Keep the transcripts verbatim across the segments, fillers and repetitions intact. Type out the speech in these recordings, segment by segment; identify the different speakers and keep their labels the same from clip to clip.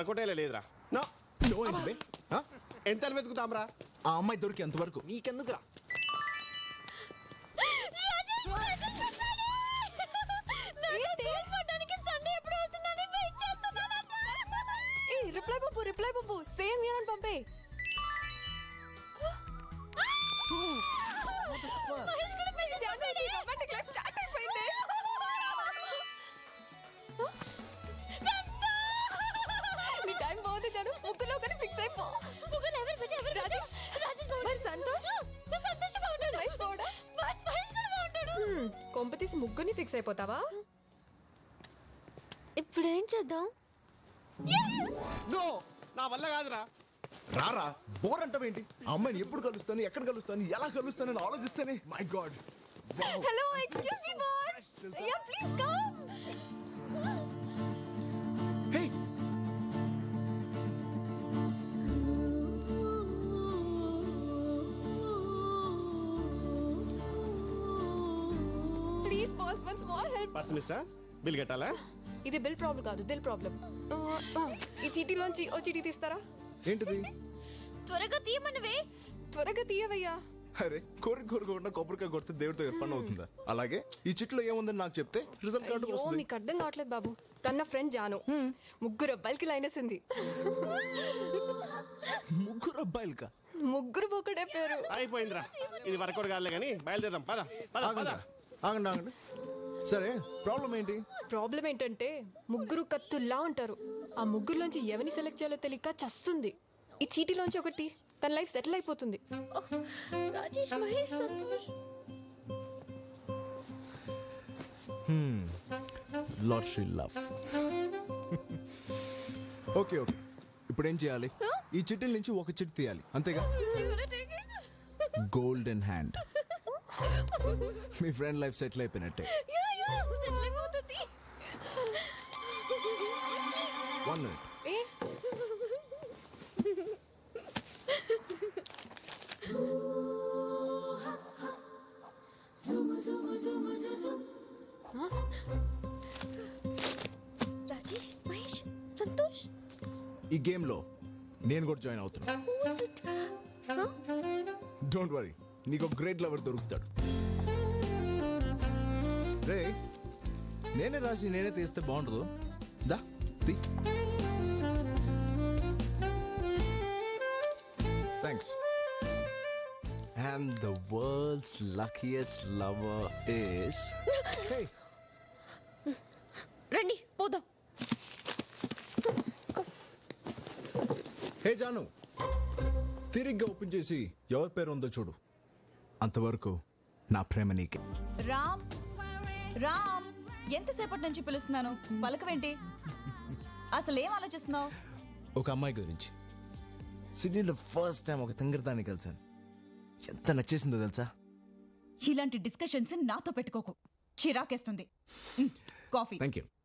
Speaker 1: Work out అయ్యే లేదురా. ఎంత వెతుకుతాంరా?
Speaker 2: ఆ అమ్మాయి దొరికి ఎంతవరకు నీకెందుకురా?
Speaker 3: రిప్లై బాబు రిప్లై బాబు సేమ్ యూన్ పంపే. నీ టైం బాగుంది జాను, ముగ్గులో కానీ ఫిక్స్ అయిపో. కొంప తీసి ముగ్గుని ఫిక్స్ అయిపోతావా?
Speaker 4: ఇప్పుడేం చేద్దాం?
Speaker 1: నా వల్ల కాదురా.
Speaker 2: రారా, బోర్ అంటావేంటి? అమ్మాయిని ఎప్పుడు కలుస్తాను, ఎక్కడ కలుస్తాను, ఎలా కలుస్తానని ఆలోచిస్తానే my god.
Speaker 3: Hello excuse me boss, yeah please come.
Speaker 2: Hey
Speaker 3: please boss one small help.
Speaker 1: First mister bill కట్టాలా?
Speaker 3: ఇది బిల్ ప్రాబ్లం కాదు, దిల్ ప్రాబ్లం. ఈ చీటీలోంచి ఓ చీటీ తీస్తారా?
Speaker 2: ఏంటిది?
Speaker 4: త్వరగా తీయమన్నవే.
Speaker 3: త్వరగా తీయవయ్యా.
Speaker 2: అరే కోరిక కోరుకోకుండా కొబ్బరికాయ కొడితే దేవుడితో పని అవుతుందా? అలాగే ఈ చిట్లో ఏముందని నాకు చెప్తే రిజల్ట్ కార్డు వస్తుంది.
Speaker 3: మీకు అర్థం కావట్లేదు బాబు. తన ఫ్రెండ్ జాను ముగ్గురు అబ్బాయిలకి లైన్ వేసింది.
Speaker 2: ముగ్గురు అబ్బాయిలకా?
Speaker 3: ముగ్గురు ఒకటే పేరు.
Speaker 1: అయిపోయిందిరా, ఇది వర్కౌట్ కాలే కానీ బయలుదేరాం. పద పద పద.
Speaker 2: ఆగండి ఆగండి. సరే ప్రాబ్లం ఏంటి?
Speaker 3: ప్రాబ్లం ఏంటంటే ముగ్గురు కత్తుల్లా ఉంటారు. ఆ ముగ్గురులోంచి ఎవరిని సెలెక్ట్ చేయాలో తెలియక చస్తుంది. ఈ చీటీలోంచి ఒకటి తన లైఫ్ సెటిల్ అయిపోతుంది.
Speaker 4: Rajesh Mahesh Santosh.
Speaker 2: Lottery love. Okay okay, ఇప్పుడు ఏం చేయాలి? ఈ చిట్టీల నుంచి ఒక చిట్టి తీయాలి, అంతేగా? Golden hand. మీ ఫ్రెండ్ లైఫ్ సెటిల్ అయిపోయినట్టే. One minute.
Speaker 4: రాజేష్ మహేష్ సంతోష్.
Speaker 2: ఈ గేమ్ లో నేను కూడా జాయిన్ అవుతున్నా. డోంట్ వరీ, నీకు ఒక గ్రేట్ లవర్ దొరుకుతాడు. రే, నేనే రాసి నేనే తీస్తే బాగుండదు. దా తీ. Thanks. And the world's luckiest lover is... Hey.
Speaker 4: రండి పోదాం.
Speaker 2: హే జాను, తిరిగ్గా ఓపెన్ చేసి ఎవరి పేరు ఉందో చూడు. అంతవరకు నా ప్రేమ నీకే.
Speaker 5: రామ్ రామ్, ఎంతసేపటి నుంచి పిలుస్తున్నాను, పలకవేంటి? అసలు ఏం ఆలోచిస్తున్నావు?
Speaker 2: ఒక అమ్మాయి గురించి. సిడ్నీలో ఫస్ట్ టైం ఒక తింగరదాన్ని కలిసాను. ఎంత నచ్చేసిందో తెలుసా?
Speaker 5: ఇలాంటి డిస్కషన్స్ నాతో పెట్టుకోకు, చిరాకేస్తుంది. కాఫీ.
Speaker 2: Thank you.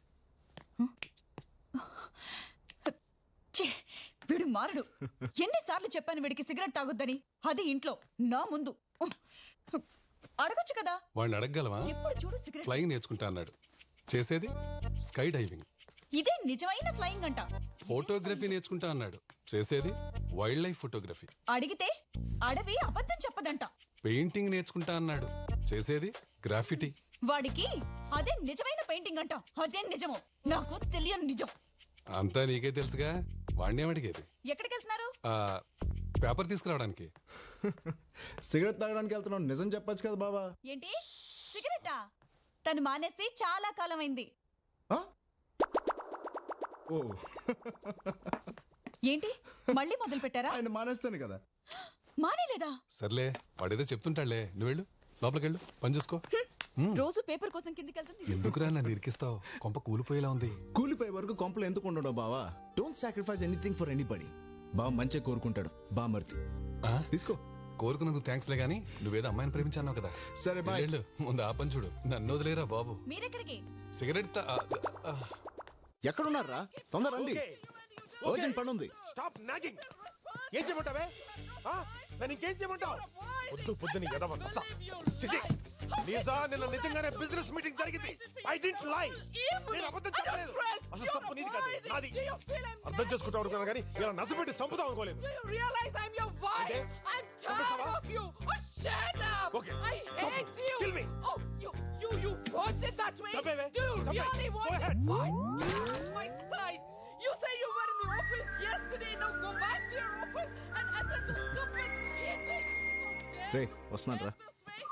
Speaker 5: వీడు మారడు. ఎన్నిసార్లు చెప్పాను వీడికి సిగరెట్ తాగొద్దని, అది ఇంట్లో నా ముందు. అడగొచ్చు కదా.
Speaker 6: వాడిని అడగగలవా?
Speaker 5: ఎప్పుడు చూడు సిగరెట్.
Speaker 6: ఫ్లయింగ్ నేర్చుకుంటా అన్నాడు, చేసేది స్కై డైవింగ్.
Speaker 5: ఇదే నిజమైన ఫ్లయింగ్ అంట.
Speaker 6: ఫోటోగ్రఫీ నేర్చుకుంటా అన్నాడు, చేసేది వైల్డ్ లైఫ్ ఫోటోగ్రఫీ.
Speaker 5: అడిగితే అడవి అబద్ధం చెప్పదంట.
Speaker 6: పెయింటింగ్ నేర్చుకుంటా అన్నాడు, చేసేది గ్రాఫిటీ.
Speaker 5: వాడికి అదే నిజమైన పెయింటింగ్ అంట. అదే నిజమో నాకు తెలియని నిజం.
Speaker 6: అంతా నీకే తెలుసుగా, వాడిని ఏమడిగేది?
Speaker 5: ఎక్కడికి వెళ్తున్నారు?
Speaker 6: పేపర్ తీసుకురావడానికి.
Speaker 2: సిగరెట్ తాగడానికి వెళ్తున్నావు, నిజం చెప్పొచ్చు కదా బాబా.
Speaker 5: ఏంటి సిగరెటా? తను మానేసి చాలా కాలం అయింది. ఏంటి మళ్ళీ మొదలు పెట్టారా?
Speaker 2: ఆయన మానేస్తాను కదా.
Speaker 5: మానేలేదా?
Speaker 6: సర్లే, వాడేదో చెప్తుంటాడులే, నువ్వు వెళ్ళు, లోపలికి వెళ్ళు, పని చూసుకో.
Speaker 5: రోజు పేపర్ కోసం కిందికి వెళ్తుంది.
Speaker 6: ఎందుకురా నన్ను ఇరికిస్తావు? కొంప కూలిపోయేలా ఉంది.
Speaker 2: కూలిపోయే వరకు కొంపలు ఎందుకు ఉండడం బావా? Don't sacrifice anything for anybody. బావ మంచిగా కోరుకుంటాడు. బా మర్తి తీసుకో.
Speaker 6: కోరుకున్నందుకు థ్యాంక్స్ లే గానీ, నువ్వేదో అమ్మాయిని ప్రేమించావు కదా.
Speaker 2: సరే బాయ్.
Speaker 6: ముందు ఆ పని చూడు, నన్ను వదిలేరా బాబు.
Speaker 5: మీరెక్కడికి?
Speaker 6: సిగరెట్
Speaker 2: ఎక్కడున్నారా? తొందర రండి, ఓజన్ పని ఉంది.
Speaker 1: Stop nagging. ఏం చేయమంటావే? నన్ను ఇంకేం చేయమంటావు? పొద్దు పొద్దుని ఎదవ లీజా నిన్న నిజంగానే బిజినెస్ మీటింగ్ జరిగింది. I didn't lie. నేను అబద్ధం చెప్పలేదు. అసలు తప్పు నీది కాదు, నాది. అర్థం చేసుకుంటావు అనుకున్నా కానీ ఇలా నసపెట్టి చంపుతాం అనుకోలేదు. Okay kill me. చంపేవే చంపే. Go ahead.
Speaker 7: You say you were in the office yesterday. Now go back to your office and attend the stupid meeting.
Speaker 2: రే వస్తున్నాను రా.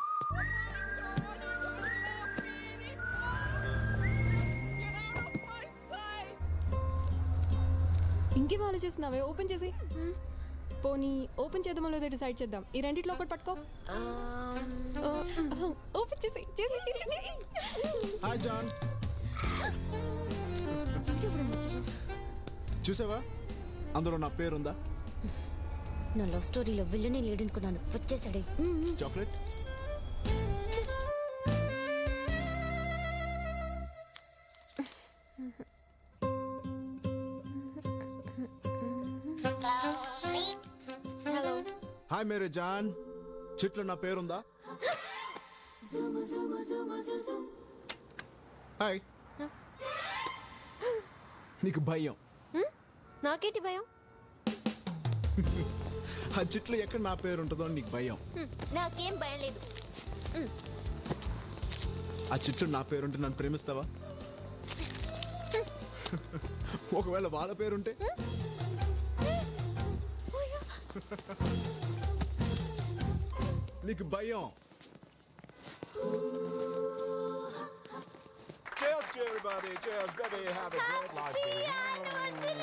Speaker 3: ఇంకేం ఆలోచిస్తున్నావే? ఓపెన్ చేసి పోనీ ఓపెన్ చేద్దామో లేదో డిసైడ్ చేద్దాం. ఈ రెండిట్లో ఒకటి పట్టుకో. ఓపెన్ చేసి చేసి చేసి.
Speaker 2: హాయ్ జాన్. చూసావా అందులో నా పేరుందా?
Speaker 4: నా లవ్ స్టోరీలో విల్లనే లేడనుకున్నాను. వచ్చేసాడే.
Speaker 2: చాక్లెట్.
Speaker 4: హలో.
Speaker 2: హాయ్ మేరే జాన్. చెట్లు నా పేరుందా? హాయ్. నీకు భయం?
Speaker 4: నాకేంటి భయం?
Speaker 2: ఆ చెట్లు ఎక్కడ నా పేరు ఉంటుందో నీకు భయం.
Speaker 4: నాకేం భయం లేదు.
Speaker 2: ఆ చెట్లు నా పేరుంటే నన్ను ప్రేమిస్తావా? ఒకవేళ వాళ్ళ పేరుంటే? నీకు భయం.
Speaker 8: Cheers to everybody. Cheers, baby. Have a great life, baby.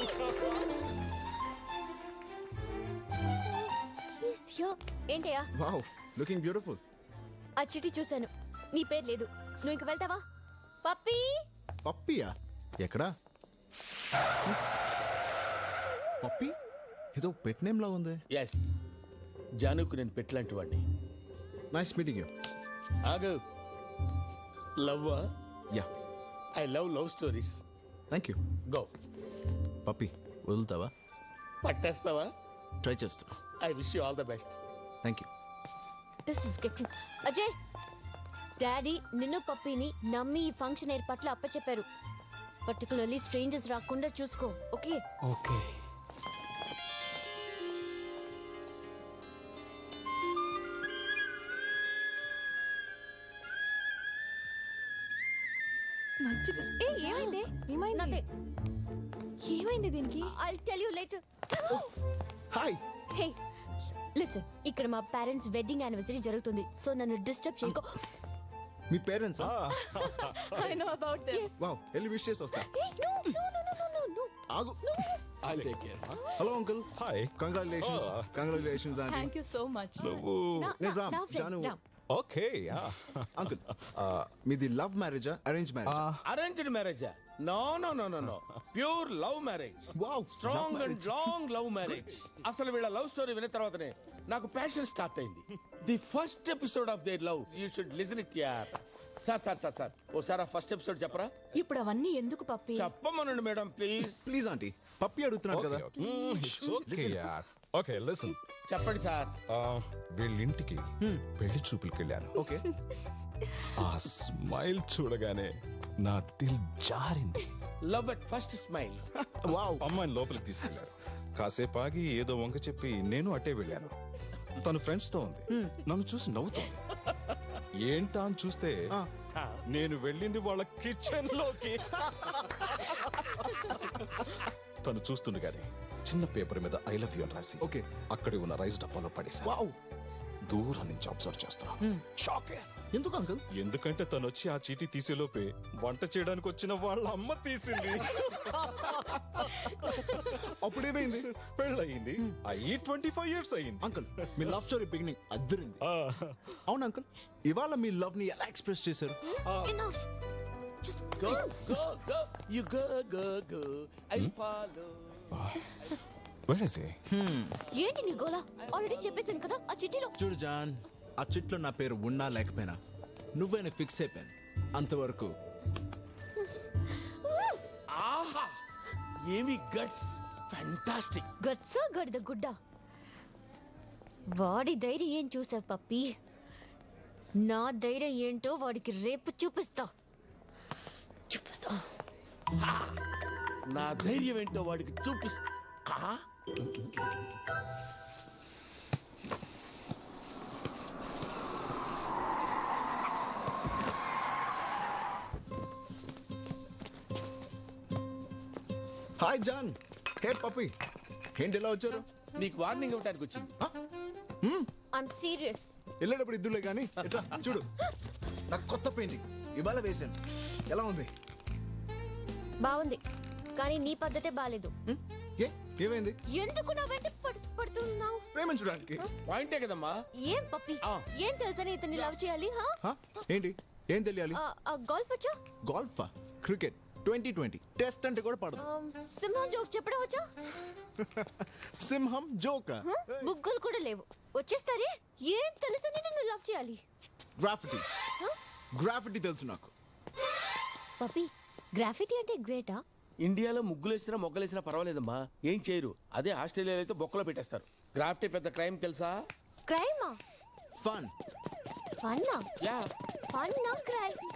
Speaker 4: ఏంటయ్యా?
Speaker 2: Wow, looking beautiful.
Speaker 4: ఆ చిట్టి చూశాను. నీ పేరు లేదు. నువ్వు ఇంక వెళ్తావా? పప్పీ.
Speaker 2: పప్పియా? ఎక్కడా? పప్పి ఏదో పెట్ నేమ్ లా ఉంది.
Speaker 9: ఎస్, జానుకు నేను పెట్టలాంటి వాడిని.
Speaker 2: Nice meeting you.
Speaker 9: ఆగు. Love?
Speaker 2: Yeah,
Speaker 9: I love love stories.
Speaker 2: Thank you.
Speaker 9: Go.
Speaker 2: Pappi వదులుతావా?
Speaker 9: పట్టేస్తావా?
Speaker 2: ట్రై చేస్తా.
Speaker 9: I wish you all the best.
Speaker 2: Thank you.
Speaker 4: This is getting. Ajay, daddy నిన్ను పప్పీని నమ్మి ఈ ఫంక్షన్ ఏర్పాట్లు అప్పచెప్పారు. పర్టికులర్లీ స్ట్రేంజర్స్ రాకుండా చూసుకో. ఓకే?
Speaker 6: ఓకే.
Speaker 3: మంచి బిస్- ఏ, ఏమైంది? ఏమైంది?
Speaker 4: Nothing.
Speaker 3: ఏమైంది దీనికి?
Speaker 4: I'll tell you later.
Speaker 2: Hi.
Speaker 4: Hey, listen. ఇక్కడ మా పేరెంట్స్ వెడ్డింగ్ యానివర్సరీ జరుగుతుంది. సో నన్ను డిస్టర్బ్ చేయకో.
Speaker 2: మీ parents?
Speaker 5: I know about them.
Speaker 4: Yes.
Speaker 2: Wow, వెళ్ళి విష్ చేసి వస్తా.
Speaker 4: Hey, no, no, no, no, no, no, no.
Speaker 2: ఆగు.
Speaker 6: I'll take care.
Speaker 2: Hello uncle.
Speaker 8: Hi.
Speaker 2: Congratulations.
Speaker 8: Oh.
Speaker 2: Congratulations aunty.
Speaker 5: Thank you so much.
Speaker 8: నువ్వు
Speaker 4: నా
Speaker 2: నేను
Speaker 4: నా-
Speaker 2: రామ్,
Speaker 4: నా friend,
Speaker 2: Janu.
Speaker 4: Ram.
Speaker 8: Okay.
Speaker 2: Uncle, మీది లవ్ మ్యారేజా అరేంజ్ మ్యారేజ్?
Speaker 9: అరేంజ్డ్ మ్యారేజా? No no no no no pure love marriage.
Speaker 2: Wow,
Speaker 9: strong and long love marriage. అసలు వీళ్ళ లవ్ స్టోరీ విన్న తర్వాతనే నాకు ప్యాషన్ స్టార్ట్ అయింది. The first episode of their love you should listen it యార్. Sir sir sir sir ఓసారి ఆ first episode చెప్పరా?
Speaker 5: ఇప్పుడు అవన్నీ ఎందుకు పప్పి?
Speaker 9: చెప్పమనండి madam please.
Speaker 2: Please aunty, Pappi అడుగుతున్నాడు కదా.
Speaker 8: ఇట్స్ ఓకే యార్. Okay listen.
Speaker 9: చెప్పండి సార్.
Speaker 8: వీళ్ళింటికి పెళ్లి చూపులకి వెళ్ళాను.
Speaker 2: ఓకే.
Speaker 8: ఆ స్మైల్ చూడగానే నా దిల్ జారింది.
Speaker 9: Love at first smile.
Speaker 2: Wow.
Speaker 8: అమ్మాయిని లోపలికి తీసుకెళ్లారు. కాసేపు ఆగి ఏదో వంక చెప్పి నేను అట్టే వెళ్ళాను. తను ఫ్రెండ్స్ తో ఉంది. నన్ను చూసి నవ్వుతోంది. ఏంటా అని చూస్తే నేను వెళ్ళింది వాళ్ళ కిచెన్ లోకి. తను చూస్తుండగానే చిన్న పేపర్ మీద ఐ లవ్ యూ అని రాసి
Speaker 2: ఓకే.
Speaker 8: అక్కడే ఉన్న రైస్ డబ్బాలో పడేసా.
Speaker 2: వావ్.
Speaker 8: దూరం నుంచి అబ్జర్వ్ చేస్తున్నా. షాక్.
Speaker 2: ఎందుకు అంకుల్?
Speaker 8: ఎందుకంటే తను వచ్చి ఆ చీటీ తీసేలోపే వంట చేయడానికి వచ్చిన వాళ్ళ అమ్మ తీసింది.
Speaker 2: అప్పుడేమైంది?
Speaker 8: పెళ్ళయింది. అయ్యి ట్వంటీ ఫైవ్ ఇయర్స్ అయ్యింది.
Speaker 2: అంకుల్, మీ లవ్ స్టోరీ బిగినింగ్ అద్దరింది.
Speaker 8: ఆ,
Speaker 2: అవును అంకుల్, ఇవాళ మీ లవ్ ని ఎలా ఎక్స్ప్రెస్ చేశారు?
Speaker 4: Enough. Just
Speaker 9: Go, go, go. You go, go, go. I follow.
Speaker 8: where is he?
Speaker 4: ఏంటి నీ గోలా? ఆల్రెడీ చెప్పేశాను కదా ఆ చిట్టిలో.
Speaker 2: చూడు జాన్, ఆ చిట్లో నా పేరు ఉన్నా లేకపోయినా నువ్వేనా ఫిక్స్ అయిపోయాను. అంతవరకు
Speaker 9: ఆహా, ఏమి గట్స్. ఫ్యాంటాస్టిక్.
Speaker 4: గట్సా గడిద గుడ్డ. వాడి ధైర్యం ఏం చూసావు పప్పి? నా ధైర్యం ఏంటో వాడికి రేపు చూపిస్తా చూపిస్తా
Speaker 9: నా ధైర్యం ఏంటో వాడికి చూపిస్తా.
Speaker 2: Hi John. హే పప్పి, ఏంటి ఎలా వచ్చారు?
Speaker 9: నీకు వార్నింగ్ ఇవ్వడానికి వచ్చింది.
Speaker 4: I'm serious.
Speaker 2: వెళ్ళేటప్పుడు ఇద్దులే కానీ ఎట్లా చూడు, నాకు కొత్త పెయింటింగ్ ఇవాళ వేశాను. ఎలా ఉంది?
Speaker 4: బాగుంది, కానీ నీ పద్ధతే బాలేదు.
Speaker 2: హ్మ్? ఏ ఏమైంది?
Speaker 4: ఎందుకు నా వెంట పడు- పడుతున్నావు?
Speaker 2: ప్రేమించడానికి.
Speaker 9: పాయింటే కదమ్మా.
Speaker 4: ఏం పప్పి,
Speaker 9: ఆ.
Speaker 4: ఏం తెలుసని ఇతన్ని లవ్ చేయాలి? హా?
Speaker 2: హా? ఏంటి ఏం తెలియాలి?
Speaker 4: ఆ, ఆ, గోల్ఫ్ వచ్చా?
Speaker 2: గోల్ఫా? క్రికెట్ ట్వంటీ ట్వంటీ టెస్ట్ అంటే కూడా పడదు.
Speaker 4: ఆమ్, సింహం జోక్ చెప్పడం వచ్చా?
Speaker 2: సింహం జోకా?
Speaker 4: హ? బుగ్గలు కూడా లేవు, వచ్చేస్తారే. ఏం తెలుసని నన్ను లవ్ చేయాలి?
Speaker 2: గ్రాఫిటీ.
Speaker 4: హ?
Speaker 2: గ్రాఫిటీ తెలుసు నాకు.
Speaker 4: పప్పి, గ్రాఫిటీ అంటే గ్రేటా?
Speaker 9: ఇండియాలో ముగ్గులేసినా మొగ్గలేసినా పర్వాలేదమ్మా, ఏం చేయరు. అదే ఆస్ట్రేలియాలో అయితే బొక్కలో పెట్టేస్తారు. గ్రాఫ్టీ పెద్ద క్రైమ్ తెలుసా?
Speaker 4: క్రైమా?
Speaker 2: ఫన్.
Speaker 4: ఫన్నా?
Speaker 9: యా
Speaker 4: ఫన్నా క్రైమ్?